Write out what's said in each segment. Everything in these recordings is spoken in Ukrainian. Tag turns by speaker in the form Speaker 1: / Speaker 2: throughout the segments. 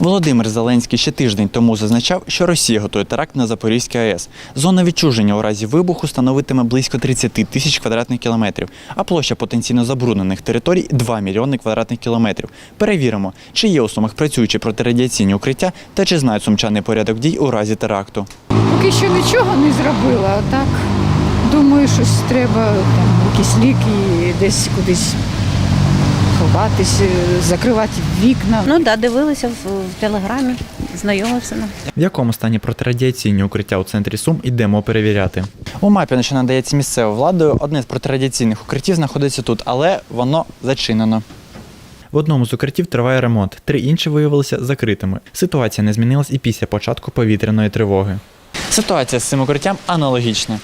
Speaker 1: Володимир Зеленський ще тиждень тому зазначав, що Росія готує теракт на Запорізькій АЕС. Зона відчуження у разі вибуху становитиме близько 30 тисяч квадратних кілометрів, а площа потенційно забруднених територій – 2 мільйони квадратних кілометрів. Перевіримо, чи є у Сумах працюючі протирадіаційні укриття та чи знають сумчани порядок дій у разі теракту.
Speaker 2: Поки що нічого не зробила, а так думаю, щось треба, якісь ліки, десь кудись ховатись, закривати вікна.
Speaker 3: Ну так, дивилися в телеграмі, знайомився нам.
Speaker 1: В якому стані протирадіаційні укриття у центрі Сум йдемо перевіряти. У мапі, що надається місцевою владою, одне з протирадіаційних укриттів знаходиться тут, але воно зачинено. В одному з укриттів триває ремонт, 3 інші виявилися закритими. Ситуація не змінилась і після початку повітряної тривоги. Ситуація з цим укриттям аналогічна.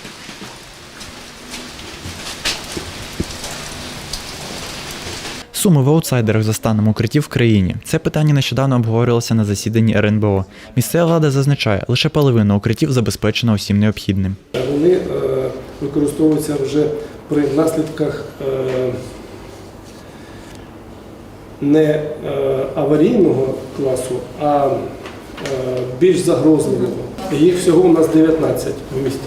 Speaker 1: Суми в аутсайдерах за станом укриттів в країні. Це питання нещодавно обговорювалося на засіданні РНБО. Місцева влада зазначає, лише половина укриттів забезпечена усім необхідним.
Speaker 4: Вони використовуються вже при наслідках не аварійного класу, а більш загрозливого. Їх всього у нас 19 в місті.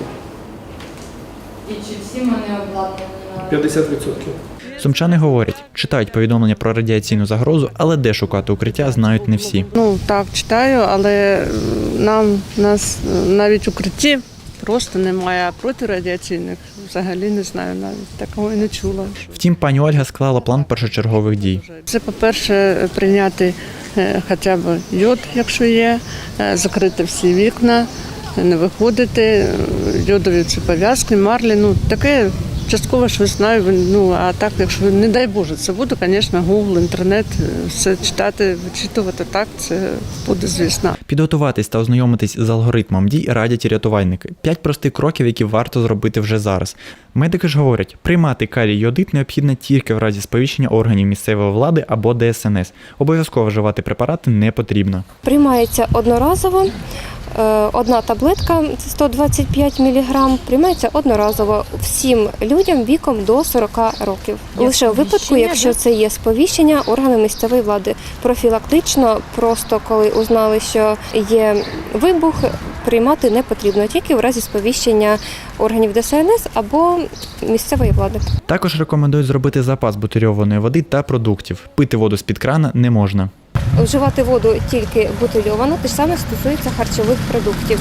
Speaker 5: І чи всі вони обладнані?
Speaker 4: 50%.
Speaker 1: Сумчани говорять, читають повідомлення про радіаційну загрозу, але де шукати укриття, знають не всі.
Speaker 6: Так, читаю, але нас навіть укриттів просто немає, а протирадіаційних взагалі не знаю, навіть такого і не чула.
Speaker 1: Втім, пані Ольга склала план першочергових дій.
Speaker 6: Це, по-перше, прийняти хоча б йод, якщо є, закрити всі вікна, не виходити, йодові ці пов'язки, марлі, таке. Частково щось знаю, а так, якщо, не дай Боже, це буде, звісно, Google, інтернет, все читати, вичитувати, так, це буде, звісно.
Speaker 1: Підготуватись та ознайомитись з алгоритмом дій радять і рятувальники. 5 простих кроків, які варто зробити вже зараз. Медики ж говорять, приймати калій-йодит необхідно тільки в разі сповіщення органів місцевої влади або ДСНС. Обов'язково вживати препарати не потрібно.
Speaker 7: Приймається одноразово. Одна таблетка 125 мг приймається одноразово всім людям віком до 40 років. Лише у випадку, якщо це є сповіщення органу місцевої влади. Профілактично, просто коли узнали, що є вибух, приймати не потрібно, тільки в разі сповіщення органів ДСНС або місцевої влади.
Speaker 1: Також рекомендують зробити запас бутильованої води та продуктів. Пити воду з-під крана не можна.
Speaker 7: Вживати воду тільки бутильовану, те ж саме стосується харчових продуктів.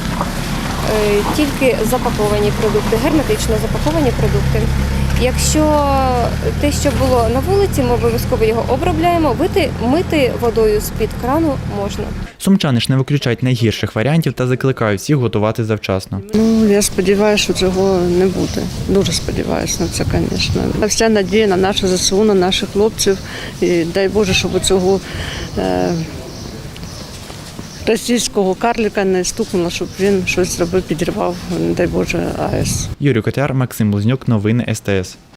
Speaker 7: Тільки запаковані продукти, герметично запаковані продукти. Якщо те, що було на вулиці, ми обов'язково його обробляємо, мити водою з-під крану можна.
Speaker 1: Сумчани ж не виключають найгірших варіантів та закликають всіх готувати завчасно.
Speaker 6: Я сподіваюся, що цього не буде. Дуже сподіваюся на це, звісно. Вся надія на нашу ЗСУ, на наших хлопців. І дай Боже, щоб цього російського карлика не стукнуло, щоб він щось зробив, підірвав, не дай Боже, АЕС.
Speaker 1: Юрій Котяр, Максим Близнюк, новини СТС.